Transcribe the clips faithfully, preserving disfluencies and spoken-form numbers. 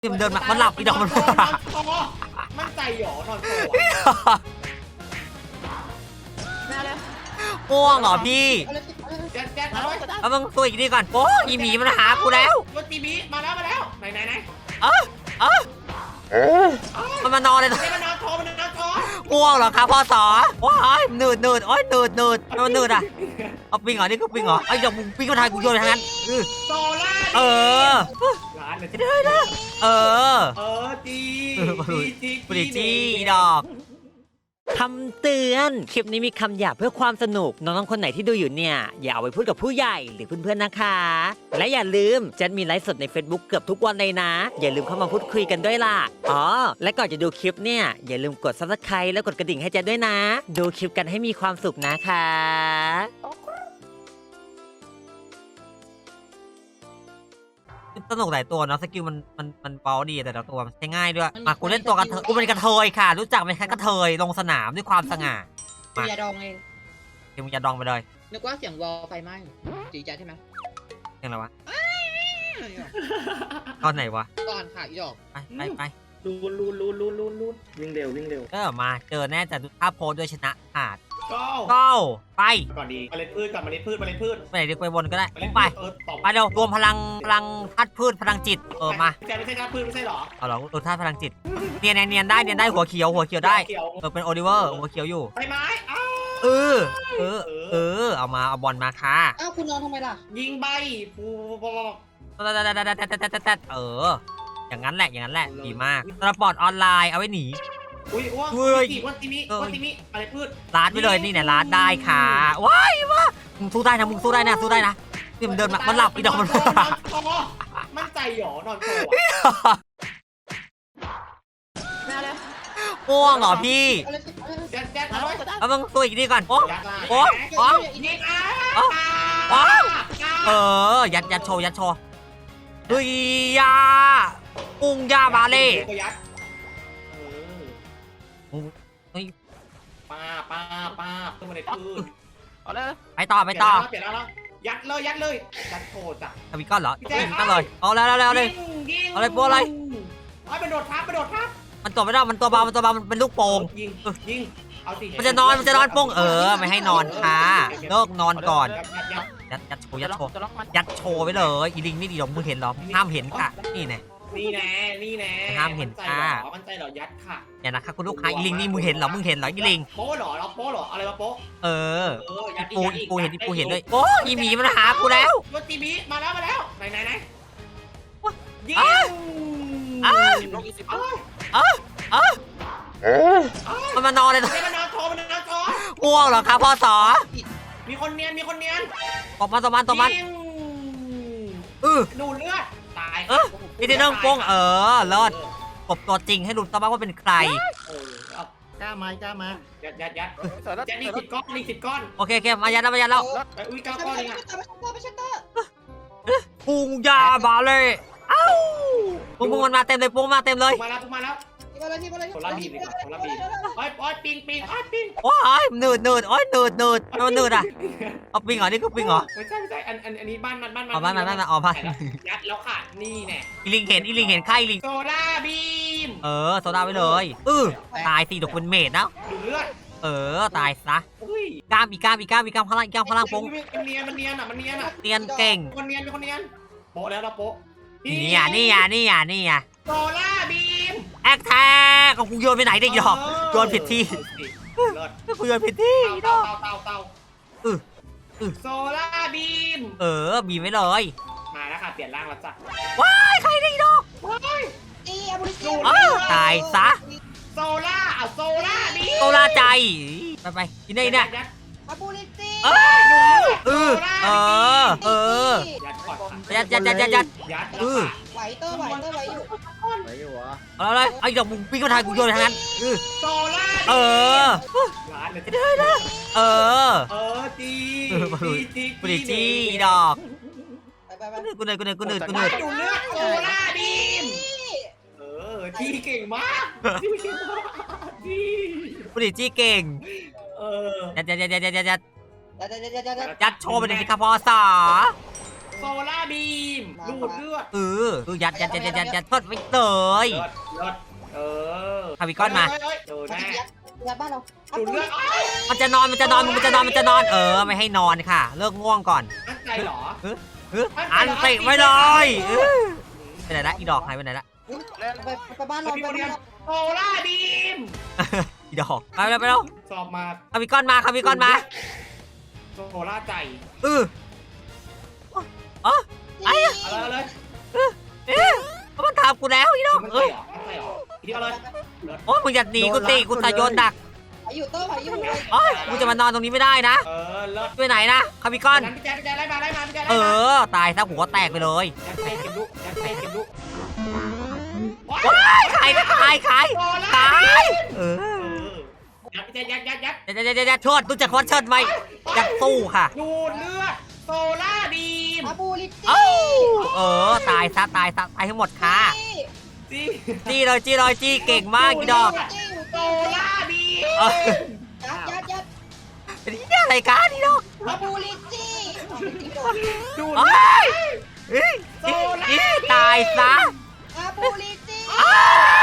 เดินมามันหลับอีดอกมันมั่นใจหรอนอนโซ่ง่วงเหรอพี่แจ๊ดแจ๊ดมาแล้วเอามึงตัวอีกทีก่อนโอ้อีหมีมันหากูแล้วมันตีบีมาแล้วมาแล้วไหนไหนไหนเออเออมันมานอนเลยมันนอนโชว์มันนอนโชว์ง่วงเหรอครับพ่อสอโอ้ยหนืดหนืดโอ้ยหนืดหนืดมันหนืดอ่ะเอาปิงเหรอนี่คือปิงเหรอไอ้ดอกมึงปิงก็ทายกูโยนทางนั้นโซล่าเออร้านเลยได้ได้เออเออจีจีจีจีดอกคำเตือนคลิปนี้มีคำหยาบเพื่อความสนุกน้องๆคนไหนที่ดูอยู่เนี่ยอย่าเอาไปพูดกับผู้ใหญ่หรือเพื่อนๆนะคะและอย่าลืมจันมีไลฟ์สดใน Facebook เกือบทุกวันเลยนะอย่าลืมเข้ามาพูดคุยกันด้วยล่ะอ๋อและก่อนจะดูคลิปเนี่ยอย่าลืมกด ซับสไครบ์ แล้วกดกระดิ่งให้จันด้วยนะดูคลิปกันให้มีความสุขนะคะสนุกหลายตัวเนาะสกิลมันมันมันเบาดีแต่ละตัวมันใช้ง่ายด้วยมากูเล่นตัวกระเทยกูเป็นกระเทยค่ะรู้จักไหมคะกระเทยลงสนามด้วยความสง่ามาอย่าดองเองเดี๋ยวมึงจะดองไปเลยนึกว่าเสียงวอลไฟไหม้จีจ้าใช่ไหมเสียงอะไรวะตอนไหนวะก่อนค่ะอีดอกไปไปไปลูนลูนลูนลูนลูนลูนวิ่งเร็ววิ่งเร็วเออมาเจอแน่แต่ดูท่าโพสด้วยชนะขาดก้าวก้าวไปก่อนดีเมล็ดพืชก่อนเมล็ดพืชเมล็ดพืชไปไหนดีไปวนก็ได้ไปไปเดี๋ยวรวมพลังพลังธาตุพืชพลังจิตเออมาไม่ใช่ธาตุพืชไม่ใช่หรอเอาหรอตัวธาตุพลังจิตเนียนเนียนได้เนียนได้หัวเขียวหัวเขียวได้เออเป็นโอลิเวอร์หัวเขียวอยู่ใบไม้เออเออเออเอามาเอาบอลมาค่ะอ้าวคุณนอนทำไมล่ะยิงใบปูปูเอออย่างนั้นแหละอย่างนั้นแหละดีมากสปอร์ตออนไลน์เอาไว้หนีอุ้ยว้าววันติมิวันติมิอะไรพืชลาดไปเลยนี่เนี่ยลาดได้ค่ะว้ายว้ามึงสู้ได้นะมึงสู้ได้นะสู้ได้นะนี่มันเดินมามันหลับอีดอกมันมั่นใจหรอนอนโซ่ง่วงเหรอพี่แจ๊ดแจ๊ดมาแล้วเอามึงตัวอีกทีก่อนโอ้โอ้โอ้โอ้เออยัดยัดโชว์ยัดโชว์ดุยยาอุ้งยาบาเล่ป้าป้าป้าขึ้นมาในพืชเอาเลยไปต่อไปต่อเปลี่ยนแล้วยัดเลยยัดเลยยัดโคจ้ะทวีก้อนเหรอยิงก้อนเลยเอาแล้วแล้วแล้วเลยเอาเลยโป้อะไรไอ้ไปโดดทับไปโดดทับมันตัวไม่ได้มันตัวเบามันตัวเบามันเป็นลูกโป่งยิงยิงเอาสิมันจะนอนมันจะนอนโป้งเออไม่ให้นอนค่ะเลิกนอนก่อนยัดยัดโชว์ยัดโชว์ยัดโชว์ไปเลยอีลิงนี่ดีหรอมึงเห็นหรอห้ามเห็นค่ะนี่แน่นี่แน่นี่แน่ห้ามเห็นค่ะมั่นใจเหรอยัดค่ะอย่านะคะคุณลูกค้าอีลิงนี่มึงเห็นหรอมึงเห็นหรออีลิงโป๊หรอเราโป๊หรออะไรมาโป๊เออกูกูเห็นกูเห็นด้วยโอ้อีหมีมันหากูแล้วมันตีบีมาแล้วมาแล้วไหนไหนไหนยิงอ้าอ้าอ้ามันมานอนเลยมันนอนโชว์มันนอนโชว์ง่วงเหรอครับพ่อสอมีคนเนียนมีคนเนียนตบมันตบมันตบมันเออดูเลือดตายเออพี่ที่เรื่องโป้งเออเลิศกบตัวจริงให้รู้ตัวบ้างว่าเป็นใครกล้าไหมกล้ามายัดยัดยัดยัดนี่สิบก้อนนี่สิบก้อนโอเคโอเคมายัดแล้วมายัดแล้วอุ้ยเก้าก้อนเลยอ่ะปุงยาบาเลยเอ้าปุงปุงมันมาเต็มเลยปุงมาเต็มเลยมาแล้วมาแล้วโซล่าบีดีกว่าโซล่าบีโอ้ยโอ้ยปิงปิงโอ้ยปิงโอ้ยหนืดหนืดโอ้ยหนืดหนืดมันหนืดอ่ะเอาปิงเหรอนี่คือปิงเหรอไม่ใช่ไม่ใช่อันอันอันนี้บ้านมันบ้านมันอ๋อบ้านมันบ้านมันอ๋อบ้านยัดแล้วค่ะนี่แน่อีลิงเห็นอีลิงเห็นใครอีลิงโซล่าบีมเออโซล่าไปเลยเออตายสิดอกเป็นเมดนะดูเลือดเออตายซะกล้ามอีกล้ามอีกล้ามอีกล้ามพลังอีกล้ามพลังโป้งมันเนียนมันเนียนอ่ะมันเนียนอ่ะเนียนเก่งคนเนียนเป็นคนเนียนโป๊ะแล้วเราโป๊ะนี่อ่ะนี่อ่ะนี่อ่ะนี่อ่ะโซล่าบีมแอคแท็กของกูโยนไปไหนได้หรอโยนผิดที่กูโยนผิดที่เต่าเต่าเต่าเออโซล่าบีมเออบีไม่เลยมาแล้วค่ะเปลี่ยนร่างแล้วจ้ะว้ายใครได้ดอกว้ายอีอาบุริสตายซะโซล่าเอาโซล่าบีโซล่าใจไปไปที่นี่เนี่ยอาบุริสเออเออเออเออยัดยัดยัดยัดยัดเออไหวเตอร์ไหวเตอร์ไหวอยู่ไหวอยู่วะเอาเลยไอ้ดอกมึงปิ้งกระทายกูโยนทางนั้นเออโซล่าเออเออเออจีจีจีจีดอกกูเหนื่อยกูเหนื่อยกูเหนื่อยกูเหนื่อยดูเลือดโซล่าบีมเออจีเก่งมากจีเก่งมากจีกูเหนื่อยจีเก่งเออยัดยัดยัดยัดยัดยัดยัดยัดยัดยัดยัดโชว์ไปเลยสิครับพ่อสาโโซล่าบีมดูดเลือดเออคือยัดยัดยัดยัดยัดยัดทดไม่เตยเลือดเลือดเออคาบิก้อนมาเฮ้ยเฮ้ยเจอยัแน่ดยัดบ้านเราอาดูดบูเลือลิดตี้อ้ายมันจะนอนมันจะนอนมันจะนอนมันจะนอน เออไม่ให้นอนค่ะ เลิกง่วงก่อนตั้งใจเหรอเอออันติไม่เลยเออไปไหนละอีดอกหายไปไหนละไปไปบ้านเราไปบ้านเราโซล่าบีมอีดอกไปแล้วไปแล้วสอบมาคาบิก้อนมาคาบิก้อนมาโซล่าใจเอออ๋อ ไอ้เอาเลยเอาเลยเอ๊ะมันถามกูแล้วอีดอกมันเอใจอเหรอมันใจเหรอทีเดียวเลยเลือดโอ้ยมึงอย่าหนีกูสิกูตายโยนดักไหวอยู่เตอร์ไหวอยู่โอ้ยกูจะมานอนตรงนี้ไม่ได้นะเออเลิศไปไหนนะคาบิก้อนพี่แจ๊คพี่แจ๊คไล่มาไล่มาพี่แจ๊คเอไล่มาอ ตายซะหัวแตกไปเลยแจ๊คเต้เก็บลูกแจ๊คเต้เก็บลูกว้ายขายนะขายขายโซล่าขายเอเอออยัดพี่แจ๊คยัดยัดยัดเดี๋ยวเดี๋ยวเดี๋ยวเชิดรู้จักวัดเชิดไหมอยากสู้ค่ะดูดเลือดโซล่าบีมอาบูลิตี้เอ้าเออ ตายซะตายซะตายทั้งหมดค่ะจีจี้เลยจี้เลยจี้เก่งมากอีดอกโซล่าบีมเออยัดยัดยัดเป็นที่อะไรกันอีดอกอาบูลิตี้ดูดเอ้เลือดยเอ้ยจี้จี้ตายซะอาบูลิตี้อ้าว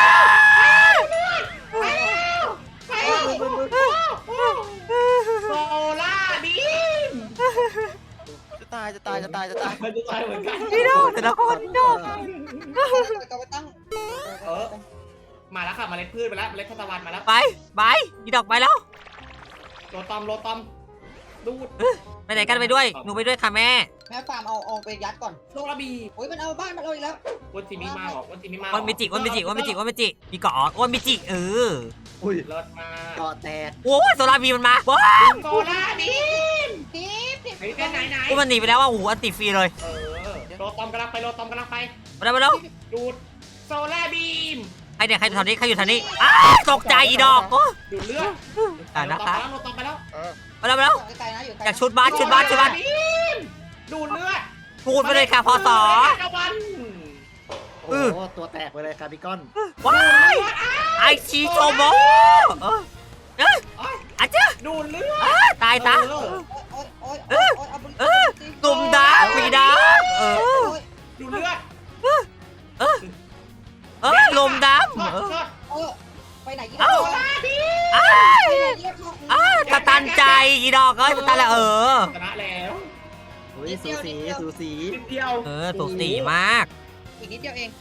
โซล่าบีมจะตายจะตายจะตายจะตายมันจะตายเหมือนกันอีดอกแต่ละคนอีดอกกลับไปตั้งเออมาแล้วค่ะเมล็ดพืชมาแล้วเมล็ดทานตะวันมาแล้วไปไปอีดอกไปแล้วโรตอมโรตอมดูดไปไหนกันไปด้วยหนูไปด้วยค่ะแม่แม่ฟาร์มเอาเอาไปยัดก่อนโซล่าบีโอ้ยมันเอาบ้านมันเอาอีกแล้ววันทีมีมาหรอวันทีมีมาอ้วนมิจิอ้วนมิจิอ้วนมิจิอ้วนมิจิมีเกาะอ้วนมิจิเอออุ้ยเลิศมาก่อแตกโอ้ยโซลาร์บีมันมาว้าวโซล่าบีมทีบทีบไหนเป็นไหนไหนกูมันหนีไปแล้วว่าโอ้โหอันติฟรีเลยเออโรตอมกำลังไปโรตอมกำลังไปไปแล้วไปแล้วดูดโซล่าบีมใครเนี่ยใครอยู่แถวนี้ใครอยู่แถวนี้อ้าวตกใจอีดอกโอ้ดูดเลือดอ่านะคะโรตอมไปแล้วไปแล้วไปแล้วไกลๆนะอยู่ไกลอยากชุดบ้านชุดบ้านชุดบ้านดูดเลือดพูดไปเลยค่ะพอสอตะวันโอ้โหตัวแตกไปเลยคาร์บิคอนว้ายไอชีโชโมเออเอ้ยอาจจะดูดเลือดเอ้ยตายซะเออโอ้ยโอ้ยโอ้ยโอ้ยอาบูลิเอตี้อตุ่มดาปีดาเออดูดเลือดเออลมดำช็อตเออช็อตเออไปไหนอีกเอ้าไปไหนอ้ายอีกอ้าวตะตันใจอีดอกเอ้ยตะตันแล้วเออชนะแล้วอุ้ยสูสีสูสีนิดเดียวเออถูกสีมากอีกนิดเดียวเอง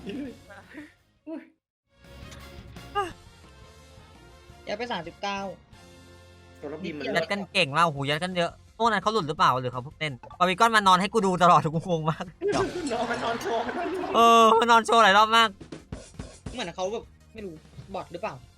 เดี๋ยวไปสามสิบเก้าตัวรับบินมันยัดกันเก่งมากโอ้โหยัดกันเยอะพวกนั้นเขาหลุดหรือเปล่าหรือเขาเพิ่งเต้นบาร์บีคอนมานอนให้กูดูตลอดกูงงมากนอนมันนอนโชว์มันนอนโชว์เออมานอนโชว์หลายรอบมากเหมือนเขาแบบไม่รู้บอดหรือเปล่า